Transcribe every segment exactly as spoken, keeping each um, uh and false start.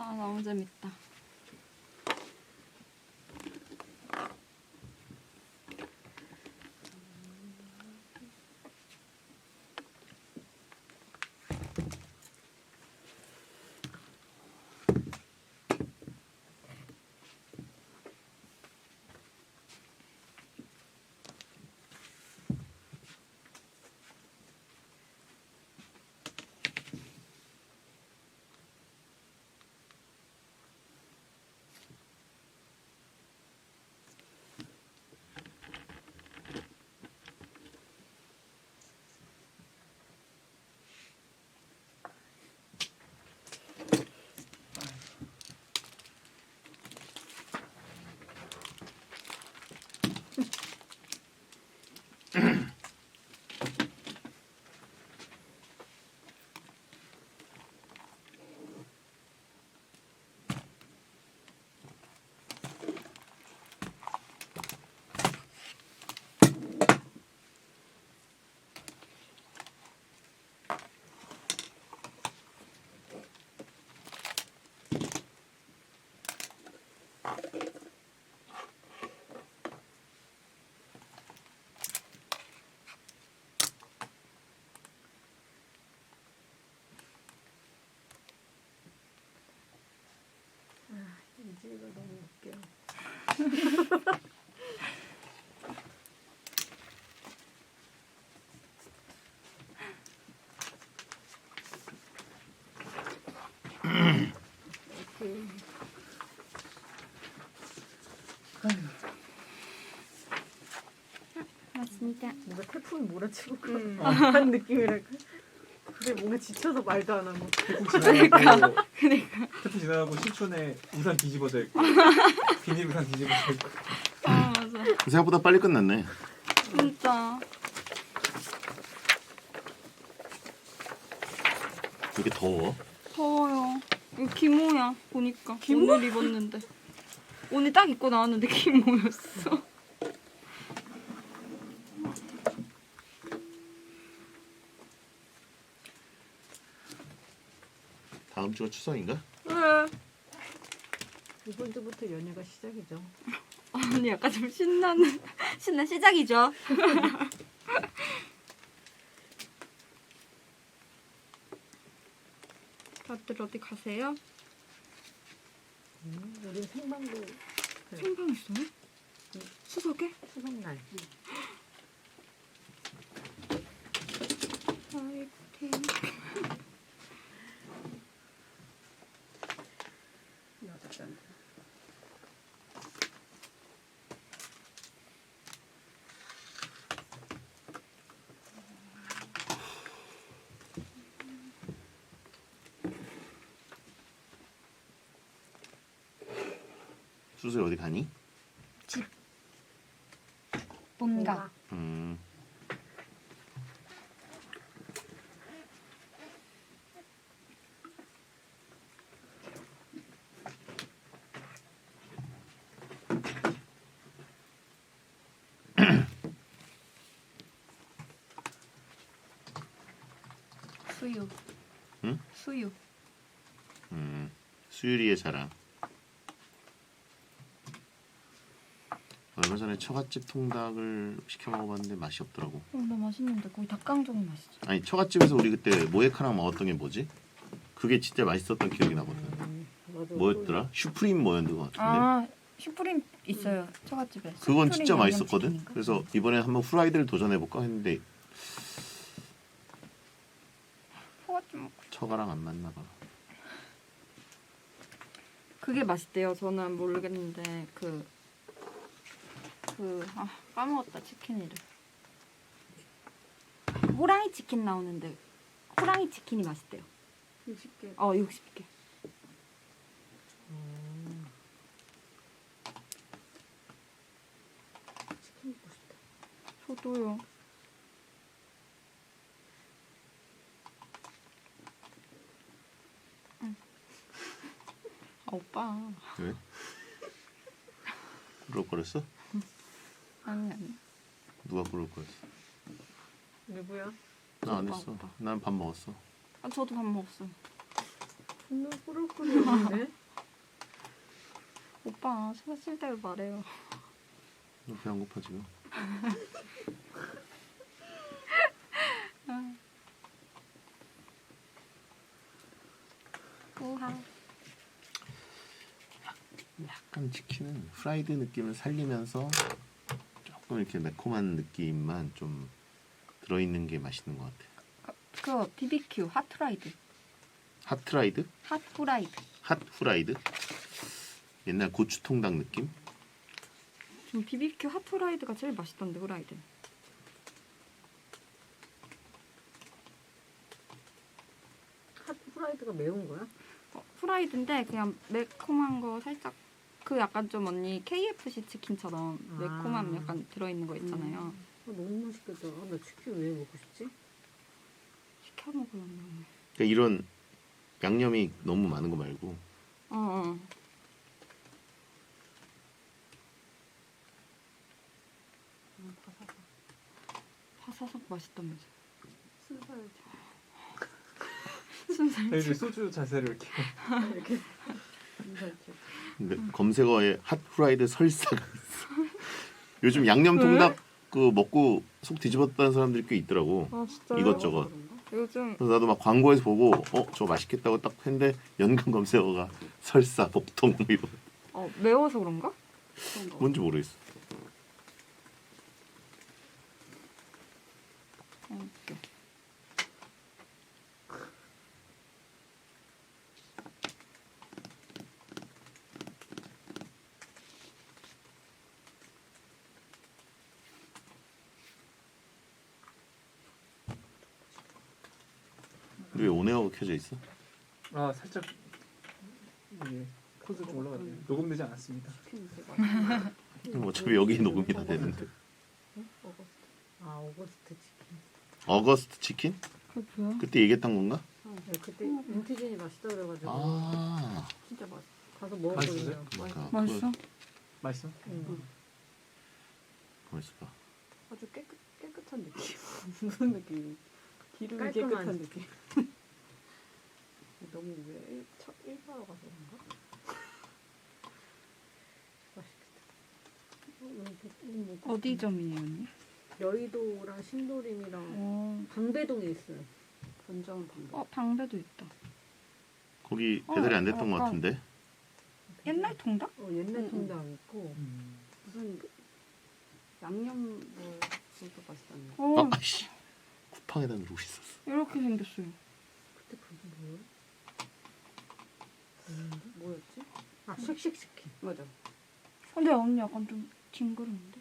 아 너무 재밌다. 이지가 너무 웃겨. 맞습니다. 뭔가 태풍이 몰아치고 음. 한 느낌이랄까. 근데 뭔가 지쳐서 말도 안 하고. 태풍 지나가고 그러니까. 태풍 지나가고 신촌에 우산 뒤집어져 있고 비닐 우산 뒤집어져 있고. 아 맞아. 생각보다 빨리 끝났네. 진짜. 왜 이렇게 더워? 더워요. 이거 기모야 보니까. 기모? 오늘 입었는데. 오늘 딱 입고 나왔는데 기모였어. 다음 주가 추석인가? 왜? 이번 주부터 연휴가 시작이죠. 언니 약간 좀 신나는 신난 시작이죠. 다들 어디 가세요? 음, 우리 생방도 생방 있어요? 추석에? 추석날. 파이팅. 여덟 잔. 수술 어디 가니? 뭔가. 음. 수유. 응? 수유. 음. 수유리의 자랑. 얼마 전에 처갓집 통닭을 시켜 먹어봤는데 맛이 없더라고. 어, 나 맛있는데 거의 닭강정 맛이지. 아니 처갓집에서 우리 그때 모에카랑 먹었던 게 뭐지? 그게 진짜 맛있었던 기억이 나거든. 음, 맞아. 뭐였더라? 슈프림 뭐였는 것 같은데. 아 슈프림 있어요 처갓집에. 그건 슈프림 진짜 맛있었거든. 양념치킨인가? 그래서 이번에 한번 후라이드를 도전해볼까 했는데 처갓집 먹고. 처가랑 안 맞나 봐. 그게 맛있대요. 저는 모르겠는데 그 그 아 까먹었다 치킨 이름. 호랑이 치킨 나오는데 호랑이 치킨이 맛있대요. 육십 개. 어 육십 개. 음. 치킨 먹고 싶다. 저도요. 응. 아 오빠. 왜? 그럴거렸어? 아니 아니. 누가 그럴거렸어? 누구야? 나 안 오빠, 했어. 오빠. 난 밥 먹었어. 아 저도 밥 먹었어요. 눈 꾸룩꾸룩했는데? 오빠 사실 대로 말해요. 너 배 안 고파 지금? 우하. 약간 치킨은 프라이드 느낌을 살리면서 조금 이렇게 매콤한 느낌만 좀 들어있는 게 맛있는 것 같아. 그 비비큐 핫프라이드. 핫프라이드? 핫프라이드. 핫후라이드? 옛날 고추통닭 느낌? 좀 비비큐 핫프라이드가 제일 맛있던데 후라이드. 핫 프라이드가 매운 거야? 어, 프라이드인데 그냥 매콤한 거 살짝 그 약간 좀 언니 케이에프씨 치킨처럼 아. 매콤함 약간 들어있는 거 있잖아요. 아, 너무 맛있겠다. 아, 나 치킨 왜 먹고 싶지? 시켜 먹으려면. 그러니까 이런 양념이 너무 많은 거 말고 어, 어. 음, 바삭바삭. 파사삭 맛있다면서. 순살 순살. 저희들 소주 자세를 이렇게 이렇게 순살집. 근데 검색어에 핫후라이드 설사가 있어. 요즘 양념 통닭 그 먹고 속 뒤집었다는 사람들이 꽤 있더라고. 아 진짜요? 이것저것. 요즘 그래서 나도 막 광고에서 보고 어 저거 맛있겠다고 딱 했는데 연관 검색어가 설사 복통 뭐 이런 어 매워서 그런가? 뭔지 모르겠어. 어, 웃겨. 근데 왜 오네어가 켜져 있어? 아 살짝 이게 코드 좀 올라갔네요. 녹음되지 않았습니다. 치킨 되게 맛있어. 그럼 어차피 여기 녹음이 다 되는데. 응? 어거스트. 아 어거스트 치킨. 어거스트 치킨? 그게 뭐야? 그때 얘기했던 건가? 네, 그때 인티진이 맛있다 그래가지고 아, 진짜 맛있어. 가서 먹었거든요. 맛있어요? 그러니까 맛있어? 맛있어? 응. 맛있어 봐. 아주 깨끗 깨끗한 느낌. 무슨 느낌? 기름이 깔끔한. 깨끗한 느낌. 너무 왜 일, 첫 일하러 가서 그런가? 맛있겠다. 어, 여기, 음, 뭐, 어디 점이에요 언니? 여의도랑 신도림이랑 어, 방배동에 있어요. 본점 방배동. 어 방배도 있다. 거기 어, 배달이 안 됐던 것 약간- 같은데. 옛날 통닭? 어, 옛날 응, 통닭 있고 음. 무슨 양념 뭐 그것도 맛있다네. 어 아, 아씨, 쿠팡에다 누르고 있었어. 이렇게 생겼어요. 그때 그게 뭐야? 뭐였지? 아 쉑쉑치킨. 맞아. 근데 언니 약간 좀 징그러운데?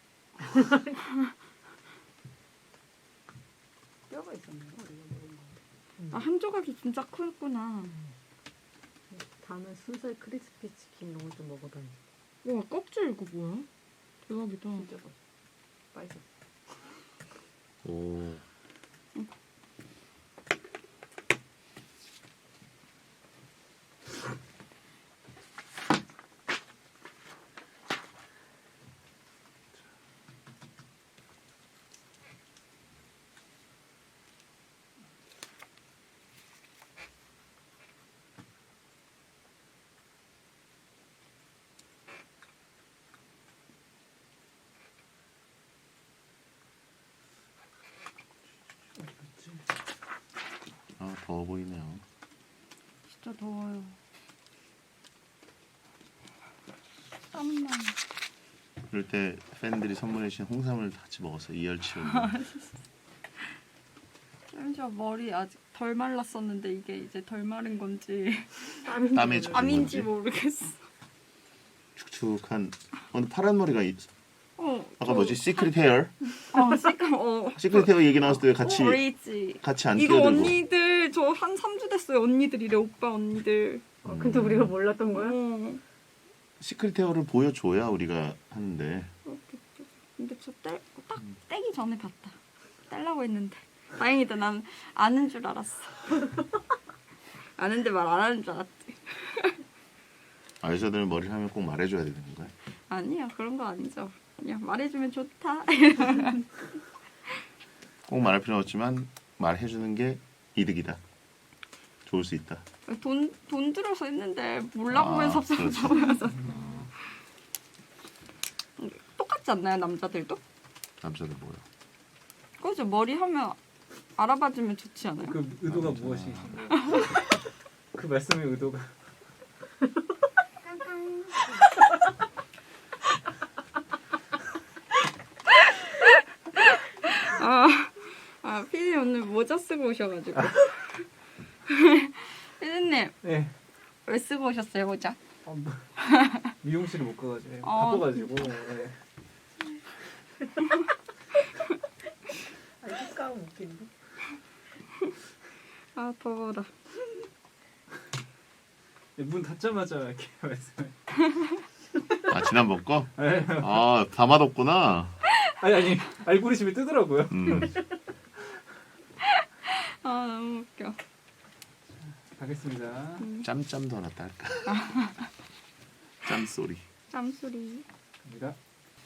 뼈가 있었네요. 우리가 먹은 거. 아 한 조각이 진짜 크구나. 다음에 순살 크리스피 치킨 이런 거 좀 먹어봐야지. 와 껍질 이거 뭐야? 대박이다. 진짜 맛있어. 맛있어. 오, 아 더워 보이네요. 진짜 더워요. 땀나. 그럴 때 팬들이 선물해 주신 홍삼을 같이 먹어서 이열치열. 심지어 머리 아직 덜 말랐었는데 이게 이제 덜 마른 건지 땀에 젖은 암인지 건지. 모르겠어. 축축한. 어, 근데 파란 머리가 있... 어, 아까 저- 뭐지? 시크릿 헤어? 어, 시크, 어. 시크릿 헤어 얘기 나왔을 때 왜 같이 어리지. 같이 안 이거 끼어들고. 언니들 저 한 삼 주 됐어요. 언니들이래 오빠 언니들. 어, 근데 우리가 몰랐던 거야? 어. 시크릿 헤어를 보여줘야 우리가 하는데. 그렇게 좀- 근데 저 떼, 딱 떼기 전에 봤다. 떼려고 했는데 다행이다. 난 아는 줄 알았어. 아는데 말 안 하는 줄 알았지. 아, 여자들은 머리를 하면 꼭 말해줘야 되는 건가요? 아니야 그런 거 아니죠. 그냥 말해주면 좋다. 꼭 말할 필요는 없지만 말해주는 게 이득이다. 좋을 수 있다. 돈, 돈 들어서 했는데 몰라보면 아, 섭섭해서. 똑같지 않나요, 남자들도? 남자들 뭐요? 그죠, 머리 하면 알아봐주면 좋지 않아요? 그 의도가 아, 무엇이신가요? 그 말씀의 의도가 아, 아, 피디 오늘 모자 쓰고 오셔가지고. 피디님, 네. 왜 쓰고 오셨어요, 모자? 아, 뭐, 미용실을 못 가가지고 어. 바빠가지고 네. 아 색감 웃긴데. 아, 더워라. 문 닫자마자 이렇게 말씀을 아 지난번 거? 네. 아 다 맛없구나. 아니 아니 알고리즘이 뜨더라고요. 음. 아, 너무 웃겨. 가겠습니다. 짬짬도 하나 딸까? 짬소리. 짬소리. 갑니다.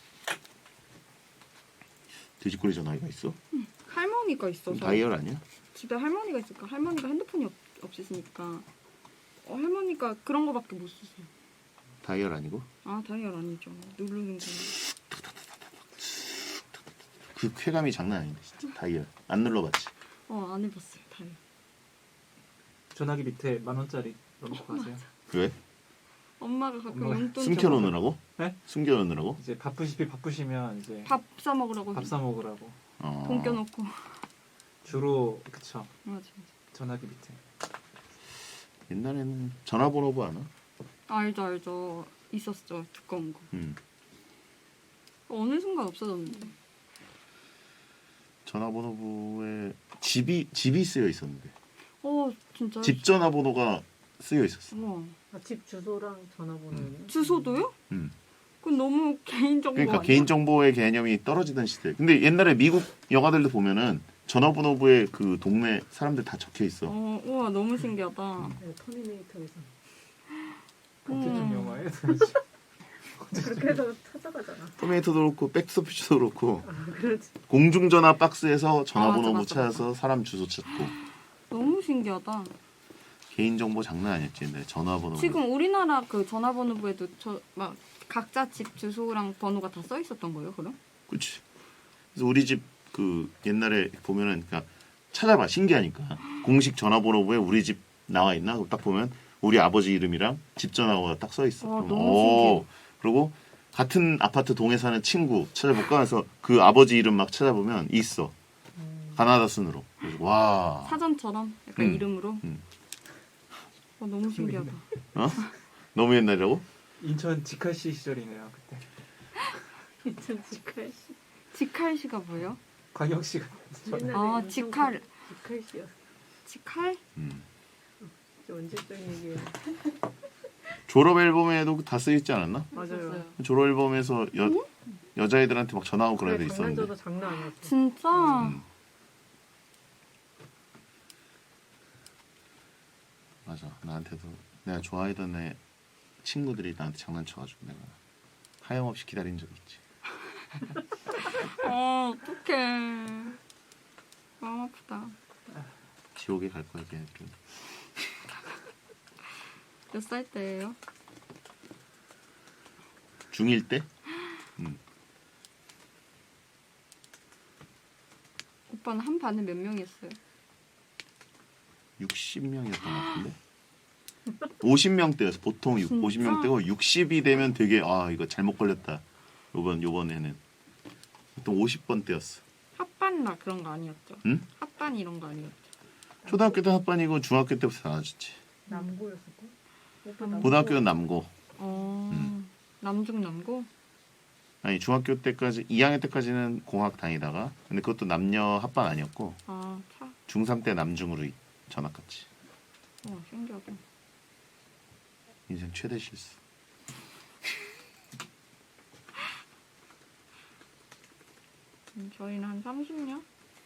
돼지꼬리 전화기가 있어? 할머니가 있어서. 다이얼 아니야? 집에 할머니가 있으니까 할머니가 핸드폰이 없, 없으시니까 어, 할머니가 그런 거밖에 못 쓰세요. 다이얼 아니고? 아, 다이얼 아니죠. 누르는 거. 그 쾌감이 장난 아닌데 진짜. 다이얼 안 눌러봤지? 어, 안 해봤어요, 다이얼. 전화기 밑에 만 원짜리 넣어놓고 가세요. 왜? 엄마가 가끔 엄마가 용돈 숨겨놓느라고? 네? 숨겨놓느라고? 이제 바쁘시피 바쁘시면 이제 밥 사 먹으라고 밥 사 먹으라고. 어. 돈 껴놓고. 주로 그쵸. 맞아, 맞아. 전화기 밑에. 옛날에는 전화번호부 아나? 알죠, 알죠. 있었죠, 두꺼운 거. 음. 어느 순간 없어졌는데. 전화번호부에 집이 집이 쓰여 있었는데 어, 진짜. 집 전화번호가 쓰여 있었어. 우와. 아, 집 주소랑 전화번호예요? 주소도요? 음. 그건 너무 개인정보 그러니까 아니야? 개인정보의 개념이 떨어지던 시대. 근데 옛날에 미국 영화들도 보면은 전화번호부에 그 동네 사람들 다 적혀 있어. 어, 우와, 너무 신기하다. 네, 터미네이터에서 언제쯤 음. 영화에 그렇게 해서 찾아가잖아. 터미네이터도 그렇고 백스토피츠도 그렇고 아, 그렇지. 공중전화 박스에서 전화번호 아, 맞아, 못 맞아, 찾아서 사람 주소 찾고. 너무 신기하다. 개인정보 장난 아니었지 옛날에 전화번호. 지금 우리나라 그 전화번호부에도 저 막 각자 집 주소랑 번호가 다 써 있었던 거예요, 그럼? 그렇지. 그래서 우리 집 그 옛날에 보면은 그러니까 찾아봐 신기하니까 공식 전화번호부에 우리 집 나와 있나? 그럼 딱 보면 우리 아버지 이름이랑 집 전화번호가 딱 써 있어. 와, 그럼 너무 오. 신기해. 그리고 같은 아파트 동에 사는 친구 찾아볼까 해서 그 아버지 이름 막 찾아보면 있어. 가나다 순으로. 그래서 와. 사전처럼 약간 음. 이름으로. 음. 어, 너무 신기하다. 어? 너무 옛날이라고? 인천 직할시 시절이네요 그때. 이천십팔 시. 직할시가 뭐예요? 광역시가 아, 직할. 직할시였어. 직할? 음. 언제적 얘기예요? 졸업 앨범에도 다 쓰여 있지 않았나? 맞아요. 있었어요. 졸업 앨범에서 여 여자애들한테 막 전화하고 그런 애들 있었는데. 장난쳐도 장난 아니었어. 진짜? 음. 맞아. 나한테도 내가 좋아하던 애 친구들이 나한테 장난쳐가지고 내가 하염없이 기다린 적이 있지. 어, 어떡해. 마음 아프다. 지옥에 갈 거야 걔네들은. 몇 살 때예요? 중일 때? 음. 오빠는 한 반에 몇 명이었어요? 육십 명이었던 것 같은데. 오십 명대였어. 보통 육, 진짜? 오십 명대고 육십이 되면 되게 아 이거 잘못 걸렸다. 요번 요번에는 보통 오십 번대였어. 합반이나 그런 거 아니었죠? 응? 합반 이런 거 아니었죠? 초등학교 때 합반이고 중학교 때부터 나눠졌지. 남고였었고. 오빠 음. 남고. 고등학교는 남고. 어, 음. 남중 남고? 아니 중학교 때까지 이 학년 때까지는 공학 다니다가 근데 그것도 남녀 합반 아니었고 아, 차. 중삼 때 남중으로 이- 전학 갔지. 와, 신기하다. 인생 최대 실수. 음, 저희는 한 삼십 년?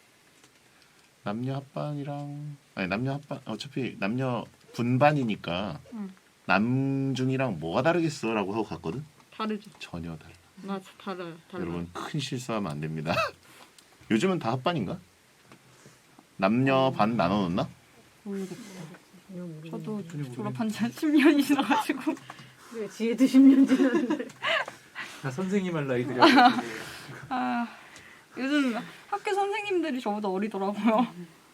남녀 합반이랑 아니 남녀 합반 어차피 남녀 분반이니까 응. 남중이랑 뭐가 다르겠어라고 하고 갔거든. 다르죠. 전혀 달라. 맞아, 달라요. 달라요. 여러분 큰 실수하면 안 됩니다. 요즘은 다 합반인가? 남녀 반 나눠 놓나? 모르겠어. 전혀 모르는 저도 전혀 졸업한 지 한 십 년이 지나가지고 그래 지혜도 십 년 지났는데 다 선생님 할 나이들이라고. 아, 요즘 학교 선생님들이 저보다 어리더라고요.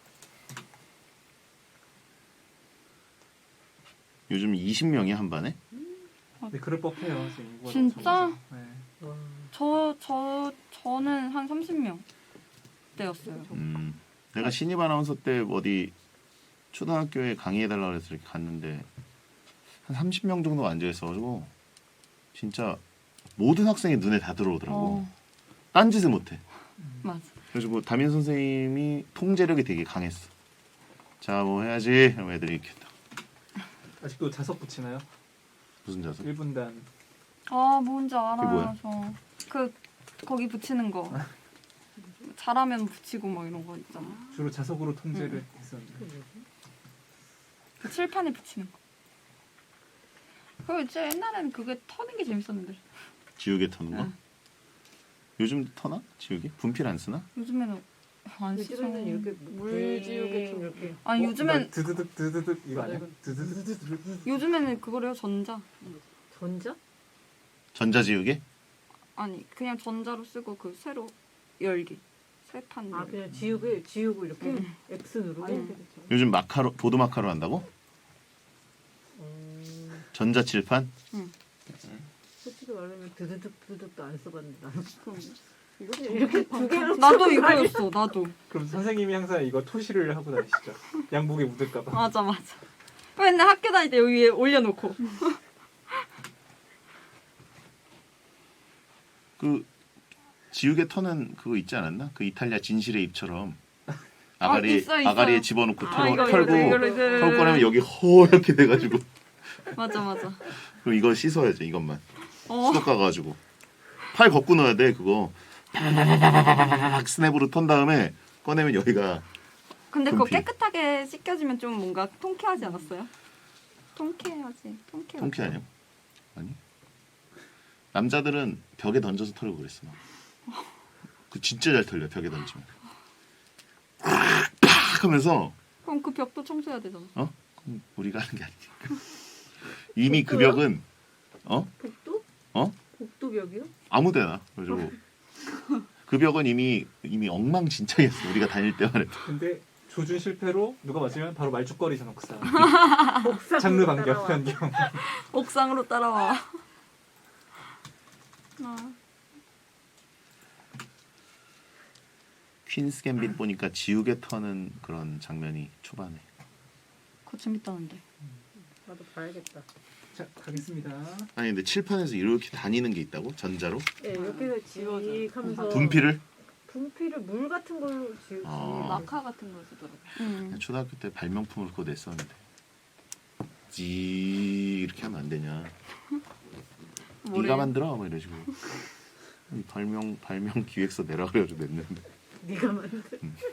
요즘 이십 명이 한 반에? 네, 그럴 법해요. 지금 인구가 진짜? 너무 적어서. 네. 와 저, 저, 저는 한 삼십 명 때였어요. 음, 내가 신입 아나운서 때 어디 초등학교에 강의해달라고 해서 이렇게 갔는데 한 삼십 명 정도 앉아 있어가지고 진짜 모든 학생이 눈에 다 들어오더라고. 어, 딴짓을 못해. 맞아. 그래가지고 담임 선생님이 통제력이 되게 강했어. 자, 뭐 해야지. 이러면 애들이 이렇게 딱. 아직도 자석 붙이나요? 무슨 자석? 일 분단. 아, 뭔지 그게 알아요. 뭐야? 저. 그, 거기 붙이는 거. 잘하면 붙이고 뭐 이런 거 있잖아. 주로 자석으로 통제를 했었는데. 그 칠판에 붙이는 거. 그거 진짜 옛날에는 그게 터는 게 재밌었는데. 지우개 터는 거? 응. 요즘 터나? 지우개? 분필 안 쓰나? 요즘에는 안 쓰죠. 요즘에는 이렇게 물 지우개 좀 이렇게 아니, 어, 요즘엔, 이거 드드득 드드득 이거 아니야? 이거- 드드득 요즘에는 그거래요, 전자. 전자? 전자지우개? 아니, 그냥 전자로 쓰고 그 새로 열기. 새판 아 열기. 그냥 지우개 지우고 이렇게 응. X 누르고 응. 요즘 마카로 보드 마카로 한다고? 음, 전자칠판? 솔직히 말하면 드드득 드드득도 안 써봤는데 나는 이거 이렇게 두 개로 나도 이거였어, 나도. 그럼 선생님이 항상 이거 토시를 하고 다니시죠? 양복에 묻을까봐. 맞아, 맞아. 맨날 학교 다닐 때 여기 위에 올려놓고. 그 지우개 터는 그거 있지 않았나? 그 이탈리아 진실의 입처럼 아가리 있어, 있어. 아가리에 집어넣고 아, 털어, 이거, 털고 이거, 이거, 이거. 털 꺼내면 여기 허옇게 돼가지고 맞아, 맞아. 그럼 이거 씻어야죠 이것만 어. 수도 가가지고 팔 걷고 넣어야 돼 그거 팍 스냅으로 턴 다음에 꺼내면 여기가 근데 그거 분필. 깨끗하게 씻겨지면 좀 뭔가 통쾌하지 않았어요? 통쾌하지. 통쾌. 통쾌 아니야? 아니 남자들은 벽에 던져서 털고 그랬어 막. 그 진짜 잘 털려 벽에 던지면 팍 하면서 그럼 그 벽도 청소해야 되잖아. 어? 그럼 우리가 하는 게 아니니까 이미 그 벽은 어? 복도? 어? 복도벽이요? 아무데나 그래가지고 그 벽은 이미 이미 엉망진창이었어 우리가 다닐 때만 해도 근데 조준 실패로 누가 맞으면 바로 말죽거리잖아 그 사람. 복사 장르 반경 변경. 옥상으로 따라와. 아, 퀸스 갬빗 보니까 지우개 터는 그런 장면이 초반에 그거 재밌다는데. 나도 봐야겠다. 자 가겠습니다. 아니 근데 칠판에서 이렇게 다니는 게 있다고? 전자로? 예, 이렇게 지우하면서 분필을? 분필을 물 같은 걸로 지우지. 아. 마카 같은 걸 쓰더라고. 응. 초등학교 때 발명품을 그거 냈었는데 지 이렇게 하면 안 되냐 뭐래? 네가 만들어 뭐 이러시고 발명 발명 기획서 내라 그래가지고 냈는데 네가 만든.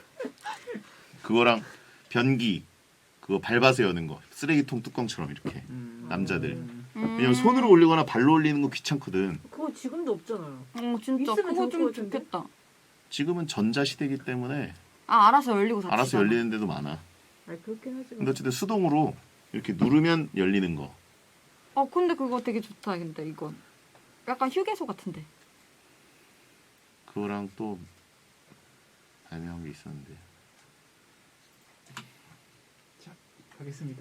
그거랑 변기 그거 밟아서 여는 거 쓰레기통 뚜껑처럼 이렇게 음. 남자들 음. 왜냐면 손으로 올리거나 발로 올리는 거 귀찮거든 그거 지금도 없잖아요. 어, 진짜 있으면 그거 좋을 좀 것 같은데? 좋겠다. 지금은 전자시대이기 때문에 아, 알아서 열리고 닫히잖아. 알아서 열리는 데도 많아 아니 그렇긴 하지만. 근데 어쨌든 수동으로 이렇게 누르면 열리는 거 어, 근데 그거 되게 좋다, 근데 이건. 약간 휴게소 같은데. 그거랑 또 발명한 게 있었는데 자 가겠습니다.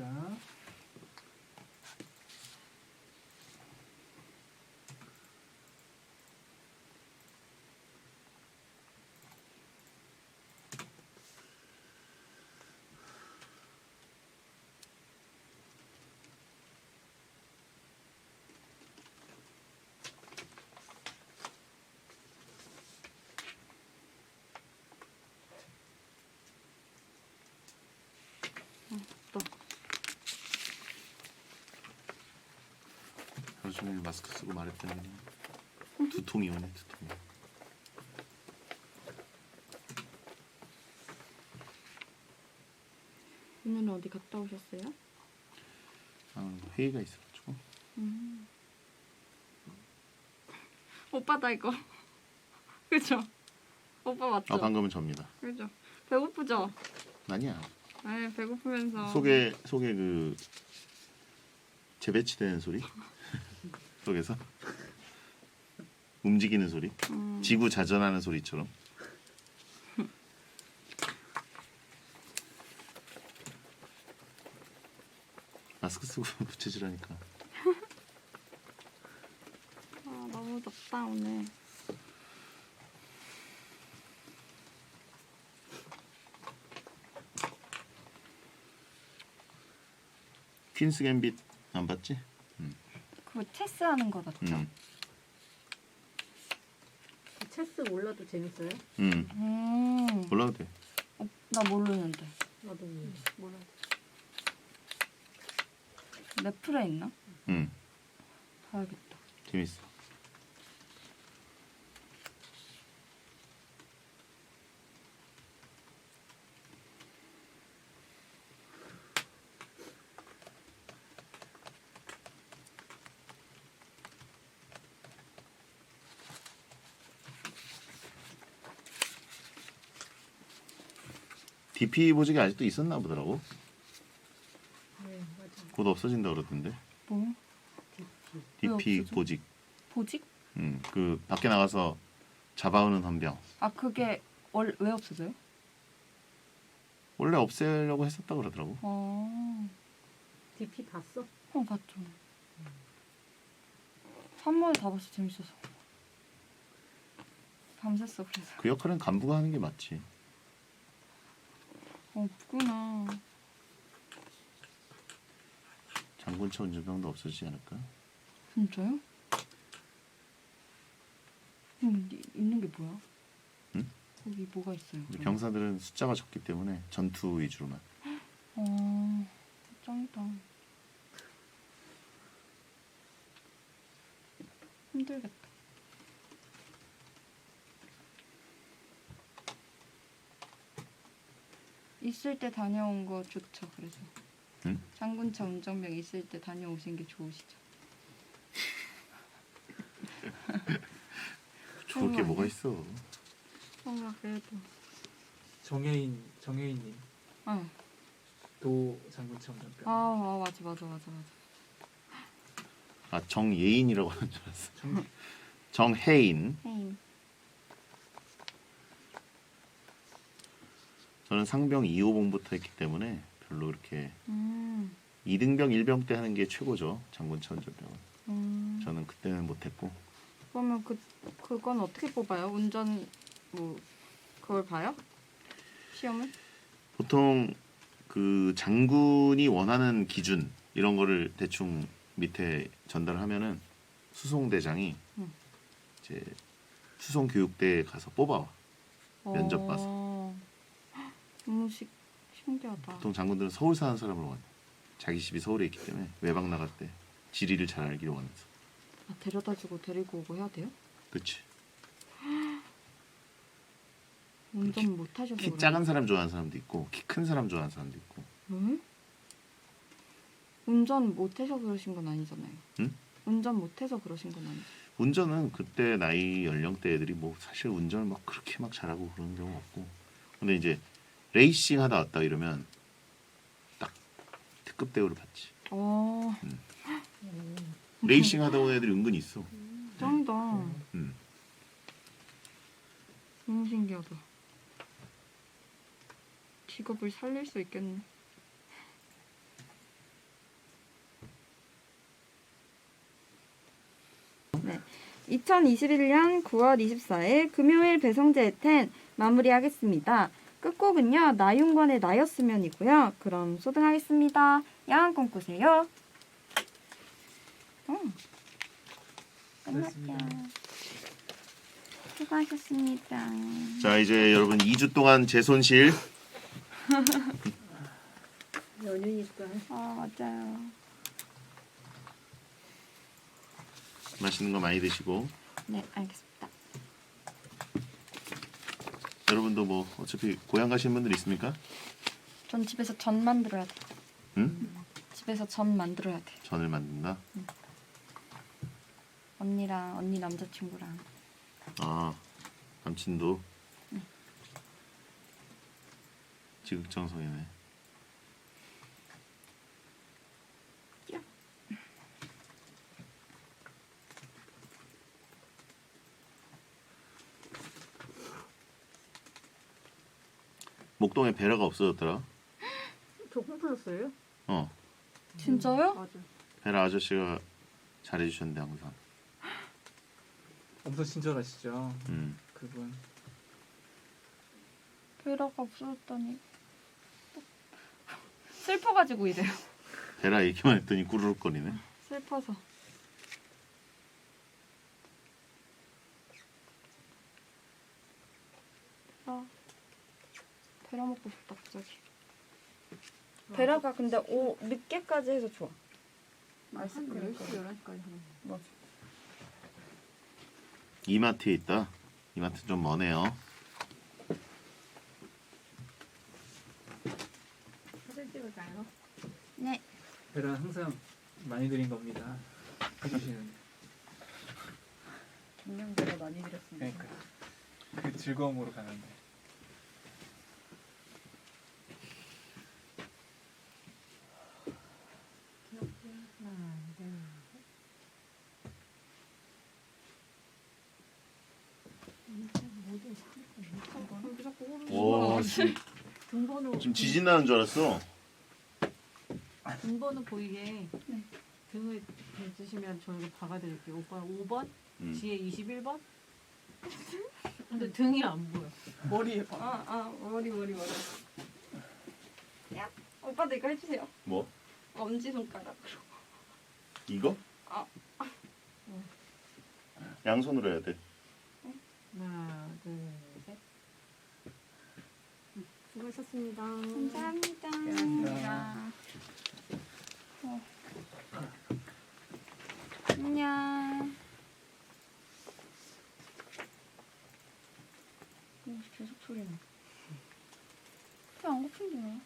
또. 하루 종일 마스크 쓰고 말했더니 그냥 두통이 오네 두통이 오늘은 어디 갔다 오셨어요? 아, 회의가 있어가지고 음. 오빠다, 이거. 그죠? 오빠 맞죠? 아 방금은 접니다 그죠? 배고프죠? 아니야 아니 배고프면서. 속에 속에 그 재배치되는 소리 속에서 움직이는 소리, 음. 지구 자전하는 소리처럼. 마스크 쓰고 부채질하니까. 아 너무 덥다 오늘. 퀸스 갬빗 안 봤지? 그거 체스 하는 거 맞죠? 응. 체스 몰라도 재밌어요? 응. 음. 몰라도 돼. 어, 나 모르는데. 나도 몰라. 몰라. 넷플에 있나? 응. 봐야겠다. 재밌어. 디피 보직이 아직도 있었나 보더라고. 네, 맞아. 곧 없어진다 그러던데. 뭐? 디피. 왜 디피 없어져? 보직. 보직? 음, 그 밖에 나가서 잡아오는 헌병. 아 그게 월, 왜 없어져요? 원래 없애려고 했었다 그러더라고. 어. 디피 봤어? 어 봤죠. 한 번에 다 봤어 재밌어서. 밤샜어 그래서. 그 역할은 간부가 하는 게 맞지. 어 없구나. 장군차 운전병도 없어지지 않을까? 진짜요? 음, 이- 있는 게 뭐야? 응? 거기 뭐가 있어요? 근데 그럼? 병사들은 숫자가 적기 때문에 전투 위주로만. 어, 짱이다. 힘들겠다. 있을 때 다녀온 거 좋죠. 그래서 응? 장군차 운전병 있을 때 다녀오신 게 좋으시죠. 좋을 게 아니야? 뭐가 있어. 뭔가 그래도. 정혜인 정혜인님 어. 도 장군차 운전병. 아, 아 맞아 맞아 맞아 맞아. 아, 정예인이라고 하는 줄 알았어. 정, 정혜인. 헤임. 저는 상병 이 호봉부터 했기 때문에 별로 그렇게 음. 이등병 일병 때 하는 게 최고죠. 장군차 운전병은. 음. 저는 그때는 못했고. 그러면 그 그건 어떻게 뽑아요? 운전 뭐 그걸 봐요? 시험을? 보통 그 장군이 원하는 기준 이런 거를 대충 밑에 전달하면은 수송대장이 응. 이제 수송 교육대에 가서 뽑아와. 면접 어. 봐서. 너무 시, 신기하다. 보통 장군들은 서울 사는 사람을 원해. 자기 집이 서울에 있기 때문에 외박 나갈 때 지리를 잘 알기를 원해서. 아, 데려다주고 데리고 오고 해야 돼요? 그치. 운전 못 하셔서 키 그래요? 작은 사람 좋아하는 사람도 있고 키 큰 사람 좋아하는 사람도 있고. 응? 운전 못 해서 그러신 건 아니잖아요. 응? 운전 못 해서 그러신 건 아니죠. 운전은 그때 나이 연령대 애들이 뭐 사실 운전을 막 그렇게 막 잘하고 그런 경우 없고. 근데 이제 레이싱 하다 왔다 이러면 딱 특급 대우를 받지. 어, 레이싱 하다 온 애들이 은근히 있어. 짱이다. 음. 너무 신기하다. 직업을 살릴 수 있겠네. 네. 이천이십일 년 구월 이십사일 금요일 배성재 텐 마무리하겠습니다. 끝곡은요. 나윤권의 나였으면이고요. 그럼 소등하겠습니다. 야한 꿈 꾸세요. 음. 끝났죠. 수고하셨습니다. 자 이제 여러분 이 주 동안 제 손실 연휴니까. 아 맞아요. 맛있는 거 많이 드시고 네 알겠습니다. 여러분도 뭐 어차피 고향 가시는 분들 있습니까? 전 집에서 전 만들어야 돼. 응? 집에서 전 만들어야 돼. 전을 만든다. 언니랑 언니 남자친구랑. 아 남친도 지극정성이네. 목동에 베라가 없어졌더라. 저 홈플러스예요? 어, 진짜요? 맞아. 베라 아저씨가 잘해주셨는데 항상. 엄청 친절하시죠. 음. 그분. 베라가 없어졌다니. 슬퍼가지고 이래요. 베라 얘기만 했더니 꾸르륵거리네. 슬퍼서. 베라. 베라 먹고 싶다 갑자기. 베라가 근데 오 늦게까지 해서 좋아. 한 아이스크림. 열 시, 열한 시까지 하는 거. 맞아. 이마트에 있다. 이마트 좀 머네요. 사진 찍을까요? 네. 베라 항상 많이 드린 겁니다. 해주시는. 분명히 많이 드렸습니다. 그러니까 그 즐거움으로 가는데. 하나, 둘, 여기 자꾸 오르는 오, 지금, 등번호 지금 지진 나는 줄 알았어. 등번호 보이게 네. 등을 대주시면 저희가 박아드릴게요. 오빠 오 번, 음. 지혜 이십일 번. 근데 등이 안 보여. 머리에 봐. 아, 아, 머리, 머리, 머리. 야, 오빠도 이거 해주세요. 뭐? 엄지손가락으로. 이거? 아. 양손으로 해야 돼. 하나, 둘, 셋. 수고하셨습니다. 감사합니다. 감사합니다. 어. 안녕. 어, 계속 소리 나. 배안 고픈데 왜?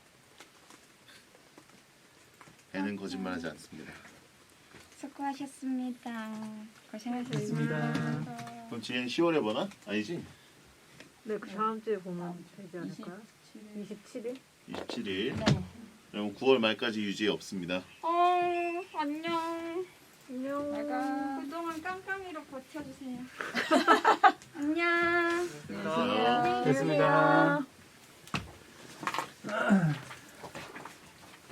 배는 거짓말하지 않습니다. 수고하셨습니다. 고생하셨습니다. 고생하셨습니다. 그럼 지혜는 시월에 보나? 아니지? 네, 그 다음 주에 보면 되지 않을까요? 이십칠 일? 이십칠 일. 네. 그럼 구월 말까지 유지 없습니다. 어, 안녕. 안녕. 내가 그동안 깡깡이로 버텨주세요. 안녕. 됐습니다. 안녕히 계세요.